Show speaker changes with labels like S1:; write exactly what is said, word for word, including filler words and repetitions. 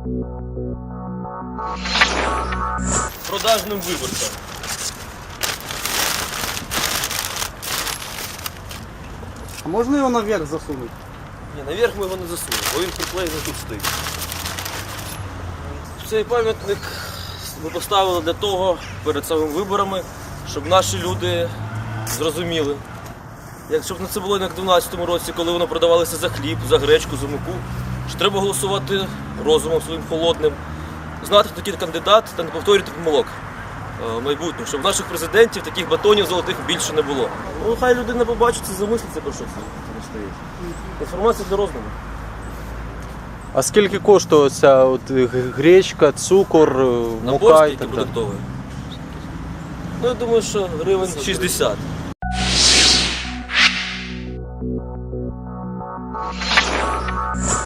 S1: Продажним виборцям.
S2: А можна його наверх засунути?
S1: Ні, наверх ми його не засунемо, бо він приклеєний тут стоїть. Цей пам'ятник ми поставили для того, перед самими виборами, щоб наші люди зрозуміли. Якщо б це було як в дванадцятому році, коли воно продавалося за хліб, за гречку, за муку, що треба голосувати розумом своїм холодним, знати, хто такий кандидат та не повторювати помилок в майбутньому, щоб наших президентів таких батонів золотих більше не було. Ну, хай людина побачить і замислиться, про що це стоїть. Інформація для розуму.
S3: А скільки коштує ця от гречка, цукор,
S1: Набор
S3: мука і
S1: скільки
S3: так далі?
S1: продуктовий? Ну, я думаю, що гривень шістдесят.